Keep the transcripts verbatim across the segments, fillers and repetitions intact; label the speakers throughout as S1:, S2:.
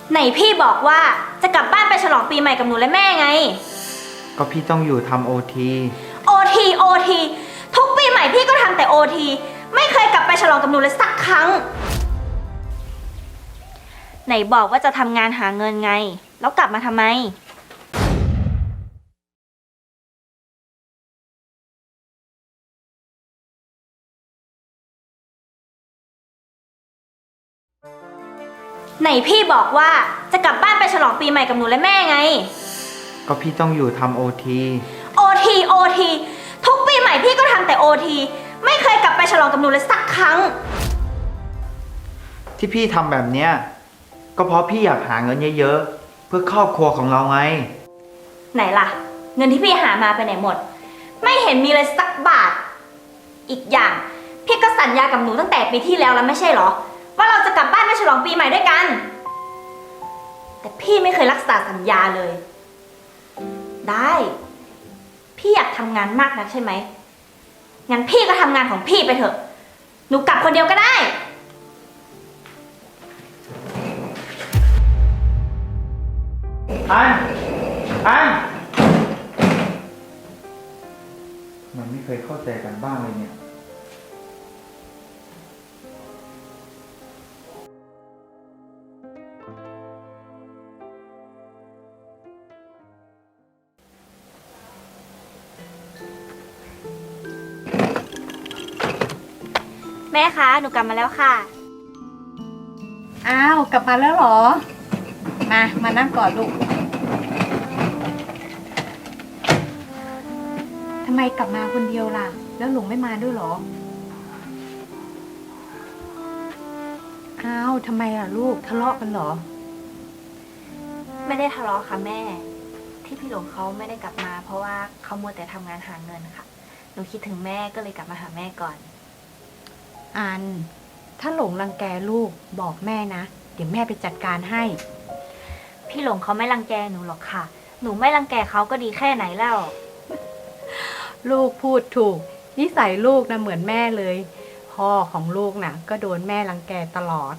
S1: ไหนพี่บอกว่าจะกลับบ้านไปฉลองปีใหม่กับหนูและแม่ไง
S2: ก็พี่ต้องอยู่ทำโอที
S1: โอทีโอทีทุกปีใหม่พี่ก็ทำแต่โอทีไม่เคยกลับไปฉลองกับหนูเลยสักครั้งไหนบอกว่าจะทำงานหาเงินไงแล้วกลับมาทำไมไหนพี่บอกว่าจะกลับบ้านไปฉลองปีใหม่กับหนูและแม่ไง
S2: ก็พี่ต้องอยู่ทำโอที
S1: โอทีโอทีทุกปีใหม่พี่ก็ทำแต่โอทีไม่เคยกลับไปฉลองกับหนูเลยสักครั้ง
S2: ที่พี่ทำแบบเนี้ยก็เพราะพี่อยากหาเงินเยอะๆเพื่อครอบครัวของเราไง
S1: ไหนล่ะเงินที่พี่หามาไปไหนหมดไม่เห็นมีเลยสักบาทอีกอย่างพี่ก็สัญญากับหนูตั้งแต่ปีที่แล้วแล้วไม่ใช่เหรอว่าเราจะกลับบ้านไปฉลองปีใหม่ด้วยกันแต่พี่ไม่เคยรักษาสัญญาเลยได้พี่อยากทำงานมากนักใช่ไหมงั้นพี่ก็ทำงานของพี่ไปเถอะหนูกลับคนเดียวก็ได้
S2: อันอันมันไม่เคยเข้าใจกันบ้างเลยเนี่ย
S1: แม่คะหนูกลับมาแล้วค่ะ
S3: อ้าวกลับมาแล้วเหรอมามานั่งก่อนลูกทำไมกลับมาคนเดียวล่ะแล้วหลงไม่มาด้วยเหรออ้าวทำไมล่ะลูกทะเลาะกันเหรอ
S1: ไม่ได้ทะเลาะค่ะแม่ที่พี่หลงเขาไม่ได้กลับมาเพราะว่าเขามัวแต่ทำงานหาเงินค่ะหนูคิดถึงแม่ก็เลยกลับมาหาแม่ก่อน
S3: อันถ้าหลงรังแกลูกบอกแม่นะเดี๋ยวแม่ไปจัดการให้
S1: พี่หลงเขาไม่รังแกหนูหรอกค่ะหนูไม่รังแกเขาก็ดีแค่ไหนแล้ว
S3: ลูกพูดถูกนิสัยลูกนะเหมือนแม่เลยพ่อของลูกนะก็โดนแม่รังแกตลอด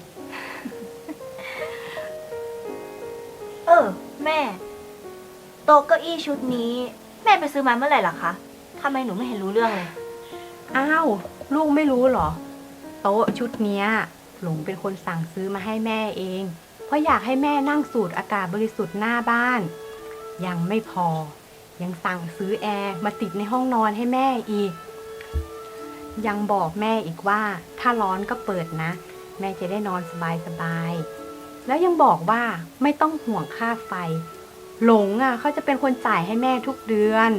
S1: เออแม่โต๊ะเก้าอี้ชุดนี้แม่ไปซื้อมาเมื่อไหร่ล่ะคะทำไมหนูไม่เห็นรู้เรื่องเลย
S3: อ้าวลูกไม่รู้เหรอโต๊ะชุดเนี้ยหลงเป็นคนสั่งซื้อมาให้แม่เองเพราะอยากให้แม่นั่งสูดอากาศบริสุทธิ์หน้าบ้านยังไม่พอยังสั่งซื้อแอร์มาติดในห้องนอนให้แม่อีกยังบอกแม่อีกว่าถ้าร้อนก็เปิดนะแม่จะได้นอนสบายๆแล้วยังบอกว่าไม่ต้องห่วงค่าไฟหลงอ่ะเขาจะเป็นคนจ่ายให้แม่ทุกเดือน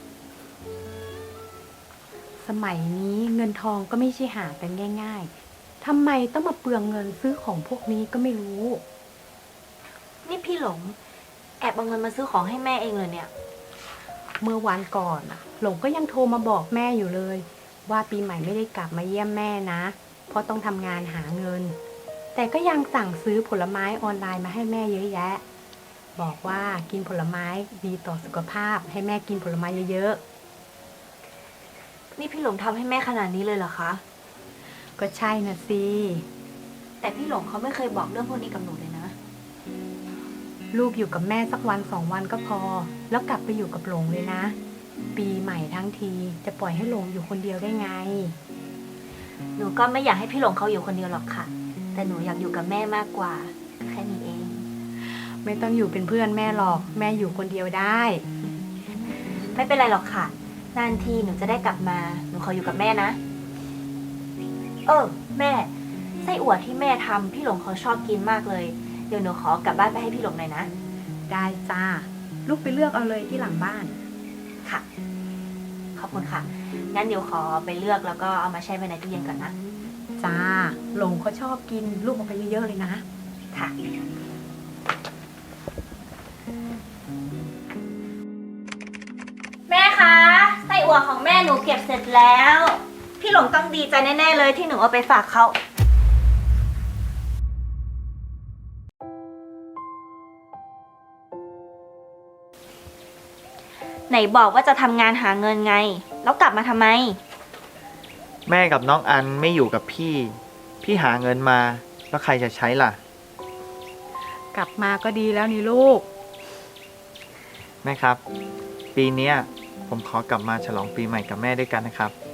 S3: สมัยนี้เงินทองก็ไม่ใช่หากันง่ายๆทำไมต้องมาเปลืองเงินซื้อของพวกนี้ก็ไม่รู้
S1: นี่พี่หลงแอบเอาเงินมาซื้อของให้แม่เองเลยเนี่ย
S3: เมื่อวันก่อนอะหลงก็ยังโทรมาบอกแม่อยู่เลยว่าปีใหม่ไม่ได้กลับมาเยี่ยมแม่นะเพราะต้องทำงานหาเงินแต่ก็ยังสั่งซื้อผลไม้ออนไลน์มาให้แม่เยอะแยะบอกว่ากินผลไม้ดีต่อสุขภาพให้แม่กินผลไม้เยอะ
S1: ๆนี่พี่หลงทำให้แม่ขนาดนี้เลยเหรอคะ
S3: ก็ใช่นะสิ
S1: แต่พี่หลงเขาไม่เคยบอกเรื่องพวกนี้กับหนูเลยนะ
S3: ลูกอยู่กับแม่สักวันสองวันก็พอแล้วกลับไปอยู่กับหลงเลยนะปีใหม่ทั้งทีจะปล่อยให้หลงอยู่คนเดียวได้ไง
S1: หนูก็ไม่อยากให้พี่หลงเขาอยู่คนเดียวหรอกค่ะแต่หนูอยากอยู่กับแม่มากกว่าแค่นี้เอง
S3: ไม่ต้องอยู่เป็นเพื่อนแม่หรอกแม่อยู่คนเดียวได้
S1: ไม่เป็นไรหรอกค่ะนานทีหนูจะได้กลับมาหนูขออยู่กับแม่นะเออแม่ไส้อั่วที่แม่ทำพี่หลงเขาชอบกินมากเลยเดี๋ยวหนูขอกลับบ้านไปให้พี่หลงหน่อยนะ
S3: ได้จ้าลูกไปเลือกเอาเลยที่หลังบ้าน
S1: ค่ะขอบคุณค่ะงั้นเดี๋ยวขอไปเลือกแล้วก็เอามาแช่ไว้ในตู้เย็นก่อนนะ
S3: จ้าหลงเขาชอบกินลูกเอาไปเยอะๆเลยนะ
S1: ค่ะแม่คะไส้อั่วของแม่หนูเก็บเสร็จแล้วพี่หลงต้องดีใจแน่ๆเลยที่หนูเอาไปฝากเขาไหนบอกว่าจะทำงานหาเงินไงแล้วกลับมาทำไม
S2: แม่กับน้องอันไม่อยู่กับพี่พี่หาเงินมาแล้วใครจะใช้ล่ะ
S3: กลับมาก็ดีแล้วนี่ลูก
S2: แม่ครับ ปีเนี้ยผมขอกลับมาฉลองปีใหม่กับแม่ด้วยกันนะครับ